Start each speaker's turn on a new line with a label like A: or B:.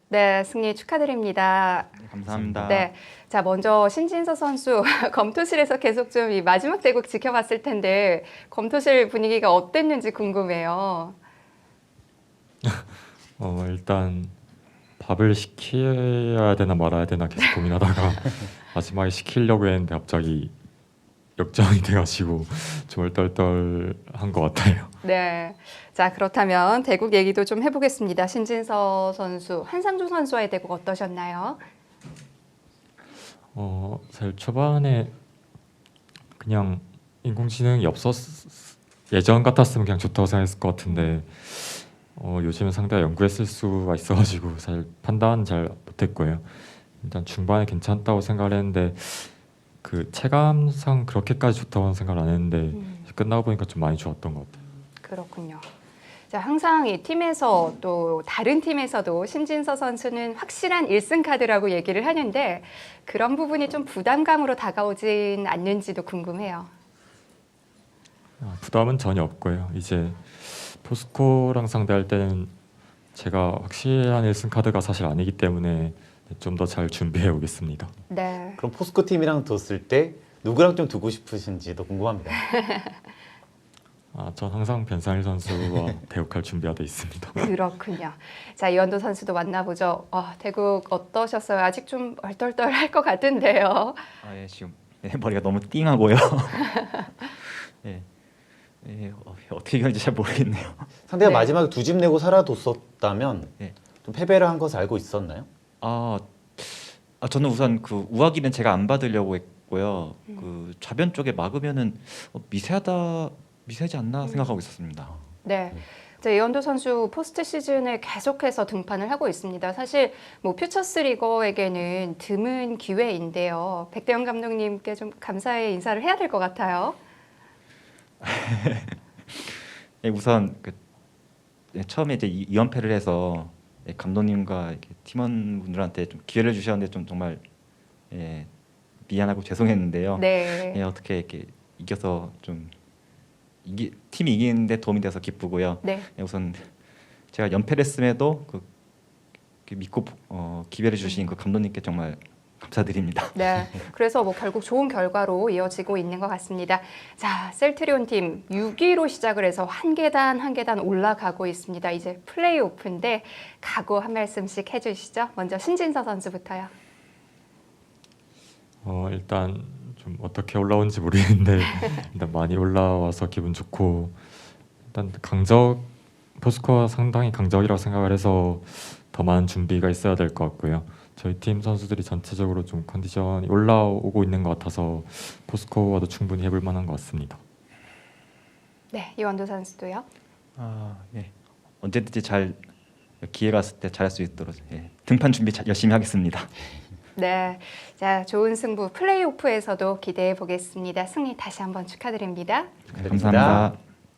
A: 네, 승리 축하드립니다.
B: 감사합니다.
A: 네, 자 먼저 신진서 선수 검토실에서 계속 좀 이 마지막 대국 지켜봤을 텐데 검토실 분위기가 어땠는지 궁금해요.
C: 일단 밥을 시켜야 되나 말아야 되나 계속 고민하다가 마지막에 시키려고 했는데 갑자기 역전이 돼가지고 좀 얼떨떨한 것 같아요.
A: 네, 자 그렇다면 대국 얘기도 좀 해보겠습니다. 신진서 선수, 한상주 선수와의 대국 어떠셨나요?
C: 사실 초반에 그냥 인공지능이 예전 같았으면 그냥 좋다고 생각했을 것 같은데 요즘은 상대가 연구했을 수가 있어가지고 사실 판단 잘 못했고요. 일단 중반에 괜찮다고 생각을 했는데 그 체감상 그렇게까지 좋다고는 생각을 안 했는데 끝나고 보니까 좀 많이 좋았던 것 같아요.
A: 그렇군요. 자, 항상 이 팀에서 또 다른 팀에서도 신진서 선수는 확실한 1승 카드라고 얘기를 하는데 그런 부분이 좀 부담감으로 다가오진 않는지도 궁금해요.
C: 부담은 전혀 없고요. 이제 포스코랑 상대할 때는 제가 확실한 1승 카드가 사실 아니기 때문에 좀 더 잘 준비해 오겠습니다.
A: 네.
B: 그럼 포스코 팀이랑 뒀을 때 누구랑 좀 두고 싶으신지도 궁금합니다.
C: 전 항상 변상일 선수와 대국할 준비가 돼 있습니다.
A: 그렇군요. 자, 이원도 선수도 만나보죠. 대국 어떠셨어요? 아직 좀 얼떨떨할 것 같은데요.
D: 예, 지금 머리가 너무 띵하고요. 예, 어떻게 이겼는지 잘 모르겠네요.
B: 상대가
A: 네.
B: 마지막에 두 집 내고 살아뒀었다면
D: 네.
B: 좀 패배를 한 것을 알고 있었나요?
D: 저는 우선 그 우하기는 제가 안 받으려고 했고요. 그 좌변 쪽에 막으면은 미세하지 않나 생각하고 있었습니다.
A: 네. 자, 이원도 선수 포스트 시즌에 계속해서 등판을 하고 있습니다. 사실 뭐 퓨처스 리거에게는 드문 기회인데요. 백대영 감독님께 좀 감사의 인사를 해야 될 것 같아요.
D: 예, 우선 처음에 이제 2연패를 해서 감독님과 이렇게 팀원분들한테 좀 기회를 주셨는데 좀 정말 미안하고 죄송했는데요.
A: 네.
D: 어떻게 이렇게 이겨서 좀 팀이 이기는데 도움이 돼서 기쁘고요.
A: 네.
D: 우선 제가 연패를 했음에도 믿고 기회를 주신 그 감독님께 정말 감사드립니다.
A: 네. 그래서 뭐 결국 좋은 결과로 이어지고 있는 것 같습니다. 자, 셀트리온 팀 6위로 시작을 해서 한 계단 한 계단 올라가고 있습니다. 이제 플레이오프인데 각오 한 말씀씩 해주시죠. 먼저 신진서 선수부터요.
C: 일단 좀 어떻게 올라온지 모르겠는데 일단 많이 올라와서 기분 좋고 일단 포스코가 상당히 강적이라고 생각을 해서 더 많은 준비가 있어야 될 것 같고요. 저희 팀 선수들이 전체적으로 좀 컨디션이 올라오고 있는 것 같아서 포스코와도 충분히 해볼 만한 것 같습니다.
A: 네, 이원도 선수도요.
D: 예. 언제든지 기회가 왔을 때 잘할 수 있도록 등판 준비 열심히 하겠습니다.
A: 네, 자 좋은 승부 플레이오프에서도 기대해 보겠습니다. 승리 다시 한번 축하드립니다.
B: 축하드립니다.
D: 감사합니다.